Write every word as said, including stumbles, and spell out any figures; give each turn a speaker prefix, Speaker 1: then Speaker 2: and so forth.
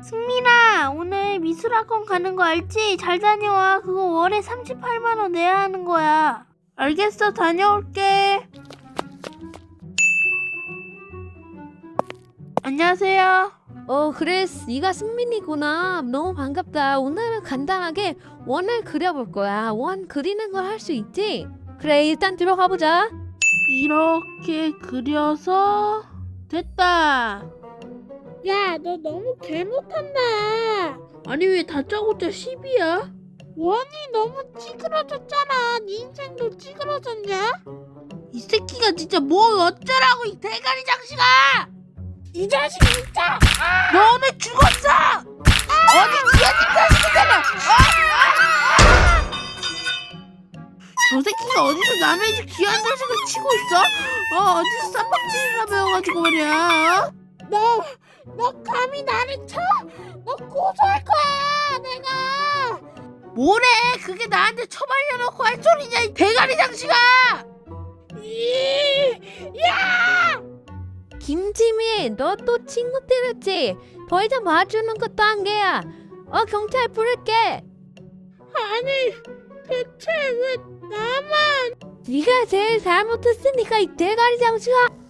Speaker 1: 승민아, 오늘 미술학원 가는 거 알지? 잘 다녀와. 그거 월에 삼십팔만 원 내야 하는 거야. 알겠어, 다녀올게. 안녕하세요.
Speaker 2: 어 그래, 네가 승민이구나. 너무 반갑다. 오늘은 간단하게 원을 그려볼 거야. 원 그리는 걸 할 수 있지? 그래, 일단 들어가 보자.
Speaker 1: 이렇게 그려서 됐다.
Speaker 3: 야, 너 너무 개 못한다.
Speaker 1: 아니 왜 다짜고짜 십이야?
Speaker 3: 원이 너무 찌그러졌잖아. 네 인생도 찌그러졌냐?
Speaker 1: 이 새끼가 진짜 뭐 어쩌라고, 이 대가리 장식아!
Speaker 3: 이 자식 진짜!
Speaker 1: 너 오늘 죽었어! 어디 기어진 자식이잖아! 저 새끼가 어디서 남의 집 귀한 자식을 치고 있어? 어, 어디서 쌈박질이나 배워가지고 말이야.
Speaker 3: 너, 너 감히 나를 쳐? 너 고소할 거야, 내가!
Speaker 1: 뭐래? 그게 나한테 처발려놓고 할 소리냐, 이 대가리 장식아!
Speaker 3: 이, 야!
Speaker 2: 김지미, 너 또 친구 때렸지? 더 이상 봐주는 것도 한계야. 어, 경찰 부를게.
Speaker 3: 아니, 대체 왜 나만?
Speaker 2: 네가 제일 잘못했으니까 이 대가리 장수가.